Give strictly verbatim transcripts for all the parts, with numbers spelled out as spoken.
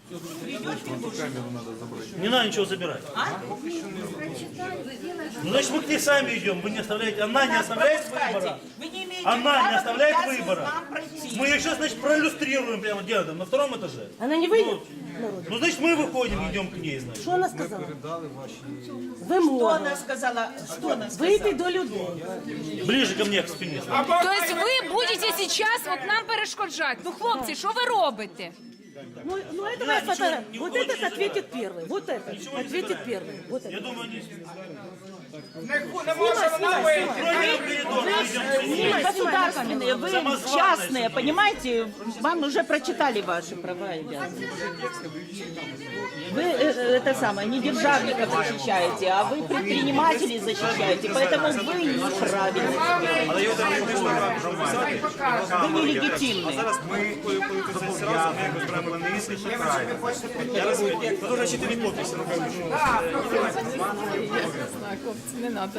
Не надо ничего забирать. Ну, значит, мы к ней сами идем. Вы не оставляете. Она не оставляет выбора. Вы не имеете Она права не оставляет препятствовать выбора. нам пройти. Мы ее сейчас, значит, проиллюстрируем прямо делаем на втором этаже. Она не выйдет? Ну, значит, мы выходим, идем к ней, значит. Що вона сказала? Что Вимога. она сказала? Что она сказала? Вийти до людей. Ближе ко мне, к спине. Тобто ви будете зараз от нам перешкоджати. Ну, хлопці, що ви робите? Ну, ну это моя фотография. Вот этот ответит первый. Вот этот ответит первый. Вот Я этот. думаю, они... Вы государственные, вы частные, понимаете? Вам уже прочитали ваши права и обязанности. Вы э, это самое, не державников защищаете, а вы предпринимателей защищаете, поэтому вы неправильны. Вы нелегитимны. Ми коли це разом, ми якось беремо на місце, шукаємо. Я розумію, ну, дуже чити від підписи, напевно. Не надо.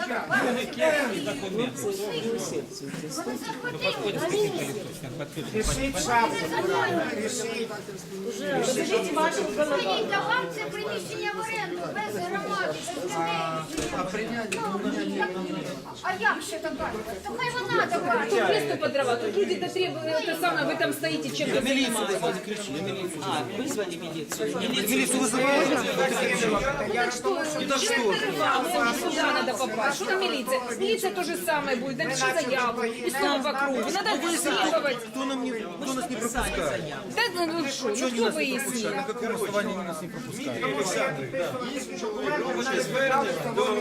Скажіть, а вам це приміщення в оренду без громади, без людей? А як ще добавити? То хай вона добавить. Место под дрова. Тут люди то требуют, это самое, вы там стоите, чем вы занимаетесь. А, вызвали милицию. Міліцію визивають? Так что? Сюда надо попасть. Что на милиция? Милиция то же самое будет. Напиши заяву. И снова по кругу. Надо исследовать. Хто нам не, хто нас не пропускає? Да ну вы что? Ну кто выяснил? На каком основании они нас не пропускают?